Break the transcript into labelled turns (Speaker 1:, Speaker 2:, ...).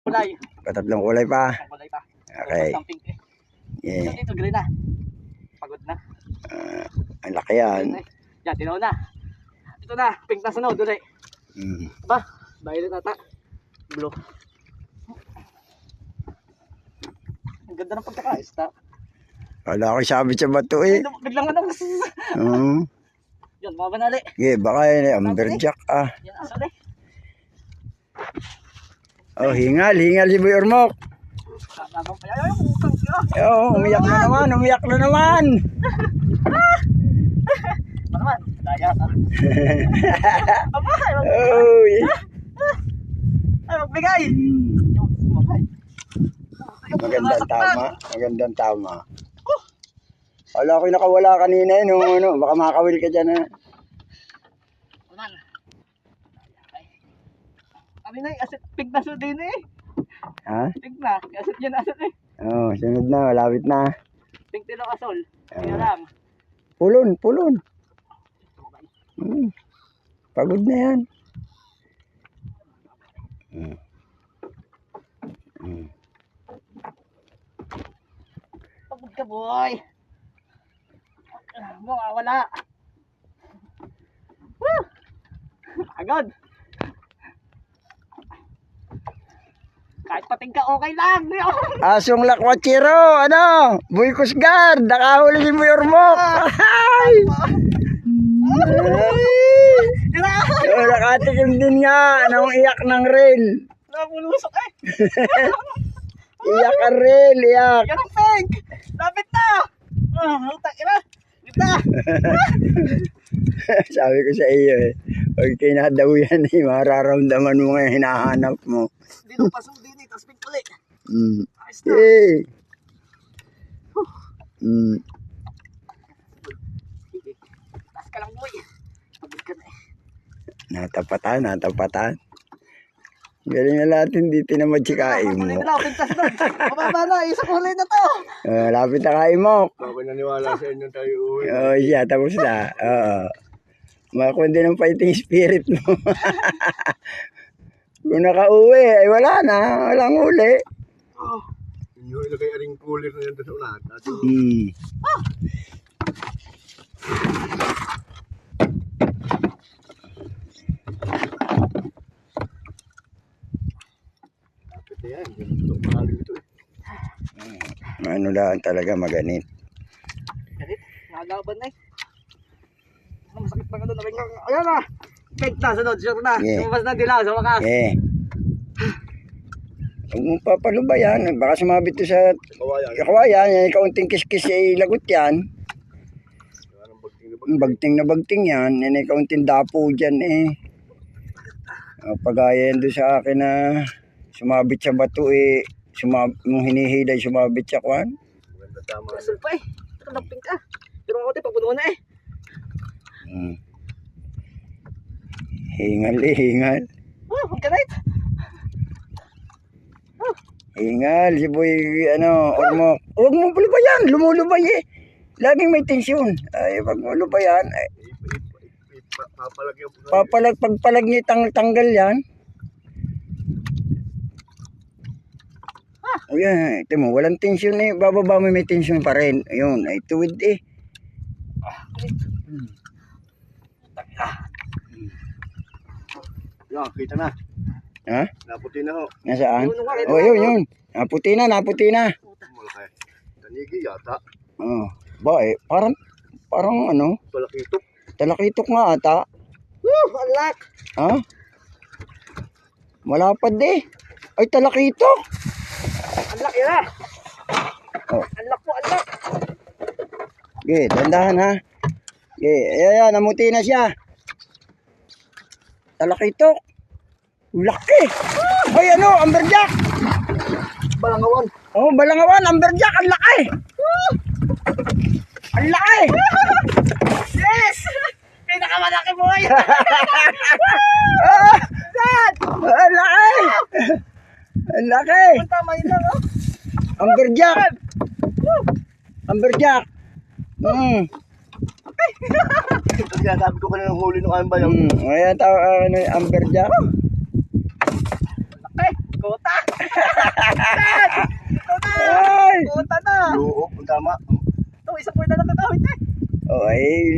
Speaker 1: kulay.
Speaker 2: Patatlong kulay pa.
Speaker 1: Tatlong kulay pa.
Speaker 2: Okay.
Speaker 1: Ang pink eh.
Speaker 2: Yeah.
Speaker 1: Ito green na. Pagod na.
Speaker 2: Ang laki yan.
Speaker 1: Yan, tinaw na. Ito na, pink na sunod ulit. Ba, violet ata. Blue. Ang ganda ng pagkakaista.
Speaker 2: Wala ko sabit sa bato eh.
Speaker 1: Biglang ano. Yan, mga banali.
Speaker 2: Yeah, baka yun eh, amberjack ah.
Speaker 1: Yan, asal eh.
Speaker 2: Oh, hingal si Boy Ormoc. Oh, umiyak na naman.
Speaker 1: Naman, daya ka. Aba,
Speaker 2: oh, yeah.
Speaker 1: Ay, magbigay. Yung, sumabay.
Speaker 2: Magandang tama. Wala ko nakawala kanina eh, nung ano, baka makakawil ka dyan eh.
Speaker 1: Naman. Kami na eh, asit, pig na so din eh.
Speaker 2: Ha?
Speaker 1: Pig na, asit yan asit eh.
Speaker 2: Oh, sunod na, malapit na.
Speaker 1: Pig tilo asol. Kaya lang.
Speaker 2: Pulon. Pagod na yan.
Speaker 1: Pagod ka boy. Wala. Woo! Agad. Kahit pating ka okay lang.
Speaker 2: Asong Lakwatsiro, ano? Boy Kusgard, nakahuli si Boy Ormoc. Ay! Oh, nakatikim din nga, nang iyak ng rail.
Speaker 1: Napulusok eh.
Speaker 2: Iyak ang rail, iyak.
Speaker 1: Yan ang peg. Lapit na. Utak ina. Gita.
Speaker 2: Sabi ko sa iyo eh, pag kinadaw yan eh, mararamdaman mo nga yung hinahanap mo.
Speaker 1: Hindi nung pasok din eh, tapos pig ulit. Ayos na.
Speaker 2: Eh.
Speaker 1: Taas ka lang boy. Pagod ka na eh.
Speaker 2: Natapatan. Galing na natin, di tinamad si Kaim mo.
Speaker 1: Pintas doon. Mababa na, isang kulay na to.
Speaker 2: Lapit na Kaim mo.
Speaker 3: Baka naniwala sa inyo tayo uwi.
Speaker 2: Oo, siya, tapos na. Oo. Makundi ng fighting spirit mo. Kung nakauwi, ay wala na. Walang uli.
Speaker 3: Inyo ilagay aring cooler na yan sa unahan. Yan, ganito pangalan ito eh.
Speaker 2: Ano lang talaga maganit.
Speaker 1: Ganit, nakalaban na eh. Masakit na gano'n. Ayan na. Peg na, sunod, sure na.
Speaker 2: Yeah.
Speaker 1: Lumabas na dilaw sa wakas.
Speaker 2: Eh. Huwag mong papalubayan. Baka sumabit to sa kawayan. Yan, kaunting kiskis ay lagot yan. Bagting yan. Yan ay kaunting dapo dyan eh. Pagaya yan doon sa akin na sumabit sa bato eh. Nung hinihilay, sumabit sa kwan.
Speaker 3: Maganda tama.
Speaker 1: Asal pa eh. Nakalamping ka. Pero ako tayo, papunuan na eh.
Speaker 2: Hingal.
Speaker 1: Huwag ka na ito.
Speaker 2: Hingal, si Boy, Ormoc. Huwag mo pulubayan, lumulubay eh. Laging may tensyon. Ay, wag mo lubayan. Pagpalag niya tanggal yan. O yan, ito mo, walang tensyon eh. Bababa mo may tensyon pa rin. Ayun, ay tuwid eh.
Speaker 3: Yan, kita na.
Speaker 2: Ha?
Speaker 3: Naputi na ho.
Speaker 2: Nasaan? O yun. Naputi na.
Speaker 3: Malaki. Tanigi yata.
Speaker 2: Ba eh, parang ano?
Speaker 3: Talakitok.
Speaker 2: Talakitok nga ata.
Speaker 1: Alak.
Speaker 2: Ha? Malapad eh. Ay, talakitok.
Speaker 1: Alak yun ah.
Speaker 2: Oh.
Speaker 1: Alak po, alak.
Speaker 2: Okay, dandahan ha. Okay, ayan, namuti na siya. Talakitok. Laki. Ay, amberjack.
Speaker 1: Balangawan.
Speaker 2: Oh, balangawan, amberjack, ang laki. Ang laki.
Speaker 1: Yes! Pinakamalaki boy!
Speaker 2: Dad! Ang laki. Ang laki.
Speaker 1: Tama yun lang oh.
Speaker 2: Amberjack.
Speaker 3: Kaya sabi ko kanina ng huli ng ambay.
Speaker 2: Ayan, amberjack.
Speaker 1: Kota! Ito na!
Speaker 2: Ay!
Speaker 1: Kota na!
Speaker 3: Loob, ang tama.
Speaker 1: Ito, isang point na lang katawid eh.
Speaker 2: Oh, ay,